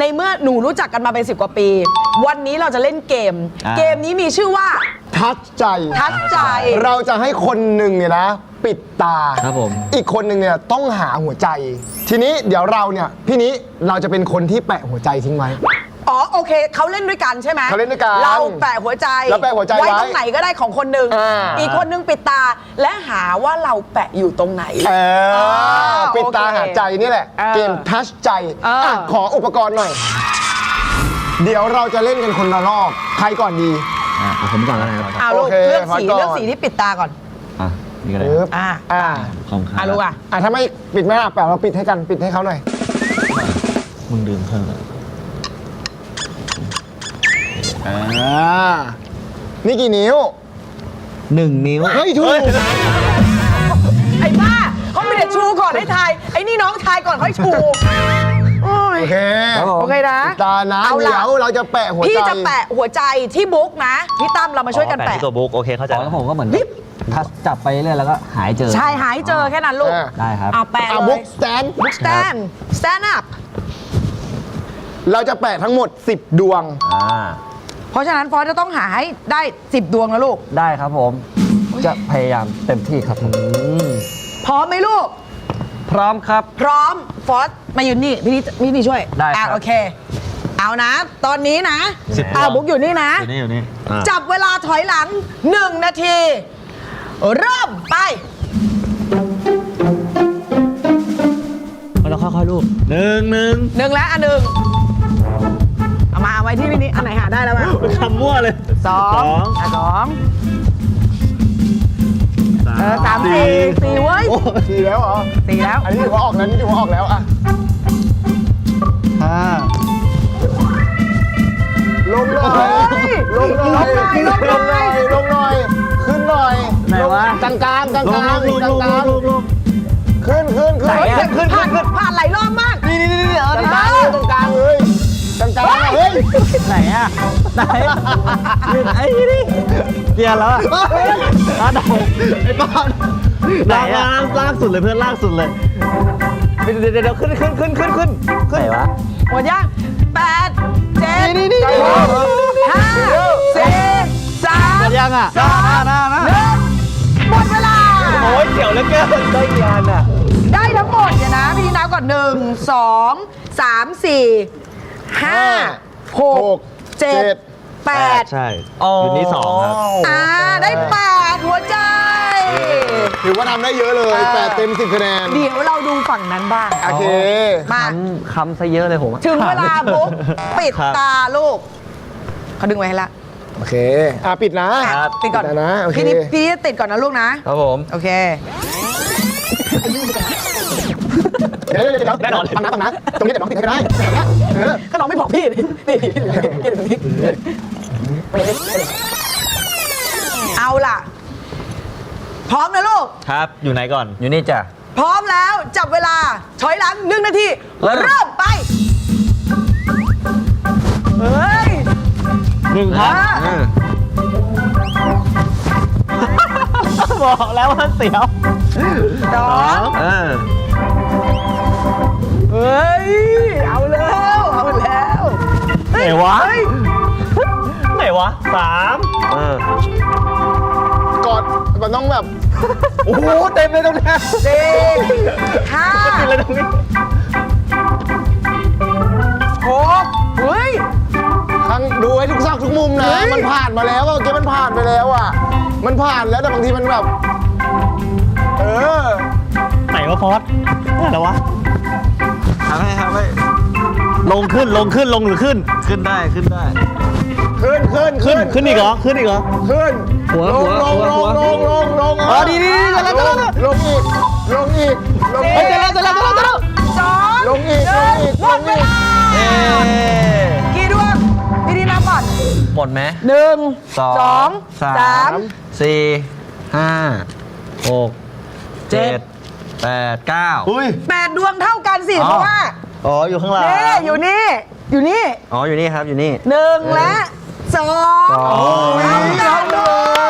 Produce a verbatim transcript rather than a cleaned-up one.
ในเมื่อหนูรู้จักกันมาเป็นสิบกว่าปีวันนี้เราจะเล่นเกมเกมนี้มีชื่อว่าทัชใจทัชใจเราจะให้คนหนึ่งเนี่ยนะปิดตาครับผมอีกคนหนึ่งเนี่ยต้องหาหัวใจทีนี้เดี๋ยวเราเนี่ยพี่นี้เราจะเป็นคนที่แปะหัวใจทิ้งไว้อ๋อโอเคเขาเล่นด้วยกันใช่ไหมเขาเล่นด้วยกันเราแปะหัวใจเราแปะหัวใจไว้ไว้ตรงไหนก็ได้ของคนหนึ่งอ, อีกคนหนึ่งปิดตาและหาว่าเราแปะอยู่ตรงไหนเออปิดตาหาใจนี่แหละเกมทัชใจอ่ะขออุปกรณ์หน่อยเดี๋ยวเราจะเล่นกันคนละรอบใครก่อนดีอ่ะผมก่อนแล้วนะครับอ่าลูกเลือกสีเลือกสีที่ปิดตาก่อนอ่ะนี่ก็ได้อ่าอ่าของข้าอ่ะลูกอ่ะอ่ะถ้าไม่ปิดไม่ได้แปะเราปิดให้กันปิดให้เขาหน่อยมึงดื่มเพิ่มอ่านี่กี่นิ้วหนึ่งนิ้วเฮ้ยถูกไอ้บ้าเขาไม่ได้ชูก่อนให้ทายไอ้นี่น้องทายก่อนค่อยชูโอเคโอเคนะตานะเดี๋ยวเราจะแปะหัวใจพี่จะแปะหัวใจที่บุ๊กนะพี่ตั้มเรามาช่วยกันแปะตัวบุ๊กโอเคเข้าใจแล้วผมก็เหมือนถ้าจับไปเรื่อยแล้วก็หายเจอใช่หายเจอแค่นั้นลูกได้ครับเอาแปะเลยบุ๊กสแตนบุ๊กสแตนสแตนอัพเราจะแปะทั้งหมดสิบดวงเพราะฉะนั้นฟอสจะต้องหาให้ได้สิบดวงนะลูกได้ครับผมจะพยายามเต็มที่ครับพร้อมไหมลูกพร้อมครับพร้อมฟอสมายืนนี่พี่นี่พี่นี่ช่วยได้ครับโอเคเอานะตอนนี้นะอ่าบุ๊กอยู่นี่นะอยู่นี่อยู่นี่จับเวลาถอยหลังหนึ่งนาทีเริ่มไปเราค่อยๆลูกหนึ่งหนึ่งหนึ่งแล้วอันหนึ่งเอามาเอาไว้ที่พี่นี่อันไหนหาได้แล้วมาคำมั่วเลยสองอ่ะสองเออสามสี่สี่เว้ยสี่แล้วเหรอสี่แล้วอันนี้ถือว่าออกแล้วนี่ถือว่าออกแล้วอ่ะห้าลงหน่อยลงหน่อยลงหน่อยลงหน่อยขึ้นหน่อยไหนวะกลางกลางกลางกลางกลางกลางขึ้นขึ้นขึ้นขึ้นขึ้นขึ้นผ่านหลายรอบมากนี่นี่นี่นี่เออกลางกลางตรงกลางเลยกลางกลางเฮ้ยไหนอ่ะไหนไอ้นี่เกียร์แล้วอ่ะร้านไหนไอ้บ้านไหนอ่ะลากสุดเลยเพื่อนลากสุดเลยเดี๋ยวเดี๋ยวขึ้นขึ้นขึ้นขึ้นขึ้นขึ้นไหนวะหมดยังแปดเจ็ดห้าสี่สามหมดยังอ่ะสองหนึ่งหมดเวลาโอ้ยเกี่ยวแล้วเกินได้กี่อันอ่ะได้ทั้งหมดเนี่ยนะพี่นับก่อนหนึ่งสองสามสี่ห้าหกเจ็ดแปดใช่อยู่นี่สองครับอ่าได้แปดหัวใจถือว่าทำได้เยอะเลยแปดเต็มสิบคะแนนเดี๋ยวเราดูฝั่งนั้นบ้างโอเคมาคำซะเยอะเลยผมถึงเวลาบุ๊กปิดตาลูกเขาดึงไว้ให้ละโอเคอ่ะปิดนะปิดก่อนนะโอเคพี่พี่ติดก่อนนะลูกนะครับผมโอเคเดี๋ยวเดี๋ยวแน่นอนฟังนะฟังนะตรงนี้เดี๋ยวน้องติดให้ได้ก็น้องไม่บอกพี่นี่เอาล่ะพร้อมนะลูกครับอยู่ไหนก่อนอยู่นี่จ้ะพร้อมแล้วจับเวลาถอยหลังหนึ่งนาทีเริ่มไปเฮ้ยหนึ่งครับบอกแล้วว่าเสียวสองเฮ้ยเอาแล้วเอาแล้วไหนวะไหนวะสามกอดมันต้องแบบโอ้โหเต็มเลยตรงนี้สี่ห้าเต็มเลยตรงนี้หกเฮ้ยครั้งดูให้ทุกซอกทุกมุมนะมันผ่านมาแล้วเมื่อกี้มันผ่านไปแล้วอ่ะมันผ่านแล้วแต่บางทีมันแบบเออไหนวะฟอสไหนวะทำให้ทำให้ลงขึ้นลงขึ้นลงหรือขึ้นขึ้นได้ขึ้นได้ขึ้นขึ้นขึ้นขึ้นอีกเหรอขึ้นอีกเหรอขึ้นหัวหัวลงลงลงลงลงอ๋อดีดีจะแล้วจะแล้วลงอีกลงอีกลงอีกจะแล้วจะแล้วจะแล้วจะแล้วสองลงอีกลงอีกหมดเวลากี่ดวงพี่ดีนับก่อนหมดไหมหนึ่งสองสามสี่ห้าหกเจ็ดแปดเก้าแปดดวงเท่ากันสิเพราะว่าอ๋ออยู่ข้างหลังนี่อยู่นี่อยู่นี่อ๋ออยู่นี่ครับอยู่นี่หนึ่งและสองเท่ากันเลย